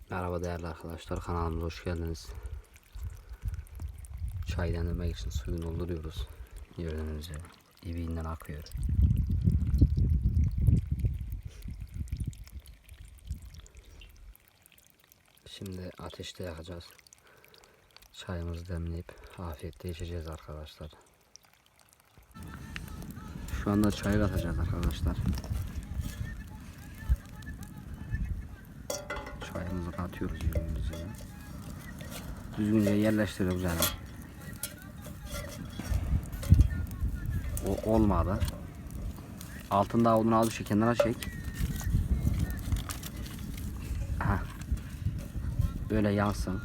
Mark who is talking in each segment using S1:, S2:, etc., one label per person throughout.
S1: Merhaba değerli arkadaşlar, kanalımıza hoş geldiniz. Çay demlemek için suyu dolduruyoruz. Gördüğünüz gibi dibinden akıyor. Şimdi ateşte yakacağız. Çayımızı demleyip afiyetle içeceğiz arkadaşlar. Şu anda çayı katacağız arkadaşlar. Çayımızı katıyoruz gördüğünüz gibi. Düzgünce yerleştiriyoruz yani. O olmadı. Altında odunu al, şu kenara çek. Aha. Böyle yansın.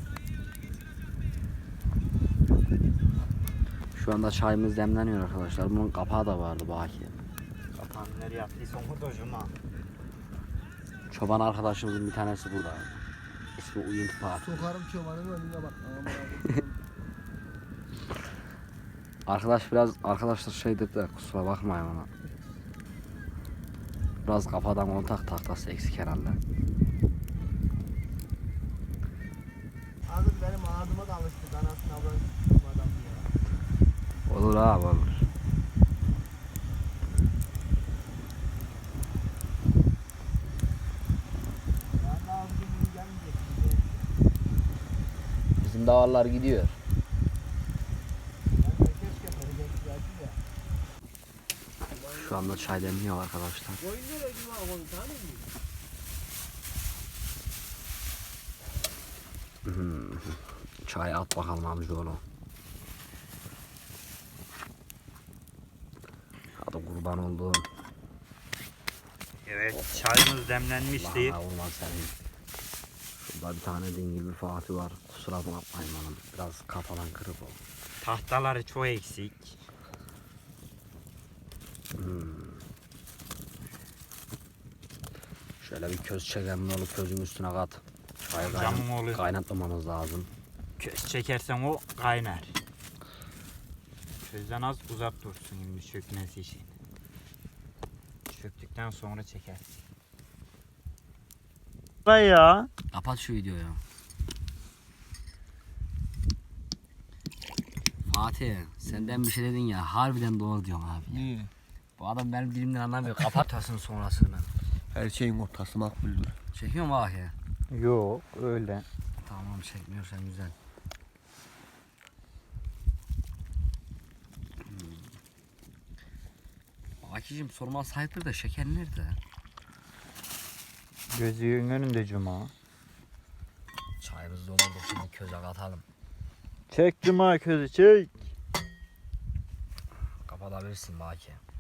S1: Şu anda çayımız demleniyor arkadaşlar. Bunun kapağı da vardı baki.
S2: Kapağını nereye attıysan orada hocama.
S1: Çoban arkadaşımızın bir tanesi burada. İsmi Uyuntu Park.
S3: Sokarım çobanın önüne bak.
S1: Arkadaşlar şey dedi de kusura bakmayın ona. Biraz kafadan kontak tahtası eksik herhalde.
S3: Abi benim ağzıma da alıştı. Anasını avradım adam ya.
S1: Olur abi olur.
S3: Ben de abi günün gelmeyecek.
S1: Bizim davarlar gidiyor.
S3: Ben de keşke verecektim ya.
S1: Şu anda çay demliyor arkadaşlar.
S3: Koyun nereye gibi abi onu tanıyor musun?
S1: Çay at bakalım amcaoğlu. Hadi kurban olduğum.
S2: Evet, çayımız demlenmişti.
S1: Allah'a vurma senin. Şurada bir tane dingil bir Fatih var. Kusura bakmayın hanım. Biraz kafadan kırık oldu.
S2: Tahtaları çok eksik.
S1: Şöyle bir köz çekelim olup közün üstüne kat. Çayı
S2: Camım oluyor.
S1: kaynatmamamız lazım.
S2: Köz çekersen o kaynar. Közden az uzak dursun şimdi çökmesi için. Çöktükten sonra çekersin. Ya.
S1: Kapat şu videoyu. Fatih senden bir şey dedin ya, harbiden doğru diyorum abi.
S3: Niye?
S1: Bu adam benim dilimden anlamıyor. Kapatasın sonrasını.
S3: Her şeyin ortası makbuldür.
S1: Çekiyor mu Fatih?
S2: Yok öyle.
S1: Tamam, çekmiyorsan güzel. Akicim sorma sahiptir de şeker nerede?
S2: Gözünün önünde cuma.
S1: Çayımız doldurduk, şimdi köze katalım.
S2: Çek cuma közü çek.
S1: Kapatabilirsin Baki.